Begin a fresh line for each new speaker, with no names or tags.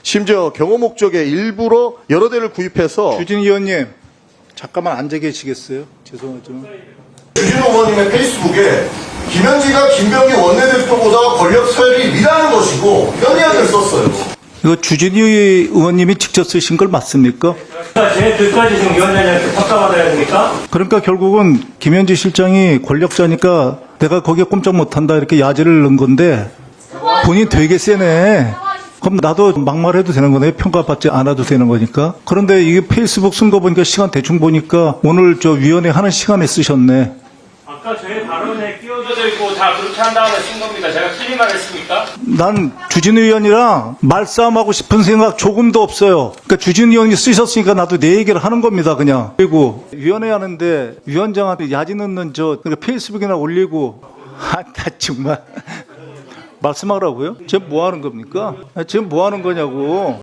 심지어 경호 목적에 일부러 여러 대를 구입해서
주진 의원님, 잠깐만 앉아 계시겠어요? 죄송하지만.
주진우 의원님의 페이스북에 김현지가 김병기 원내대표보다 권력 서열이 위라는 것이고 이런 이야기를 썼어요.
이거 주진우 의원님이 직접 쓰신 걸 맞습니까?
제 뜻까지 지금 위원장님한테 평가받아야 됩니까?
그러니까 결국은 김현지 실장이 권력자니까 내가 거기에 꼼짝 못한다 이렇게 야지를 넣은 건데 본인 되게 세네. 그럼 나도 막말해도 되는 거네. 평가받지 않아도 되는 거니까. 그런데 이게 페이스북 쓴 거 보니까 시간 대충 보니까 오늘 저 위원회 하는 시간에 쓰셨네.
아까 저의 발언에 끼어들어 있고 다 그렇게 한 다음에 쓴 겁니다. 제가 틀린 말 했습니까?
난 주진 의원이랑 말싸움하고 싶은 생각 조금도 없어요. 그러니까 주진 의원이 쓰셨으니까 나도 내 얘기를 하는 겁니다, 그냥. 그리고 위원회 하는데 위원장한테 야지 넣는 그러니까 페이스북이나 올리고 나 정말 말씀하라고요? 지금 뭐 하는 겁니까? 지금 뭐 하는 거냐고.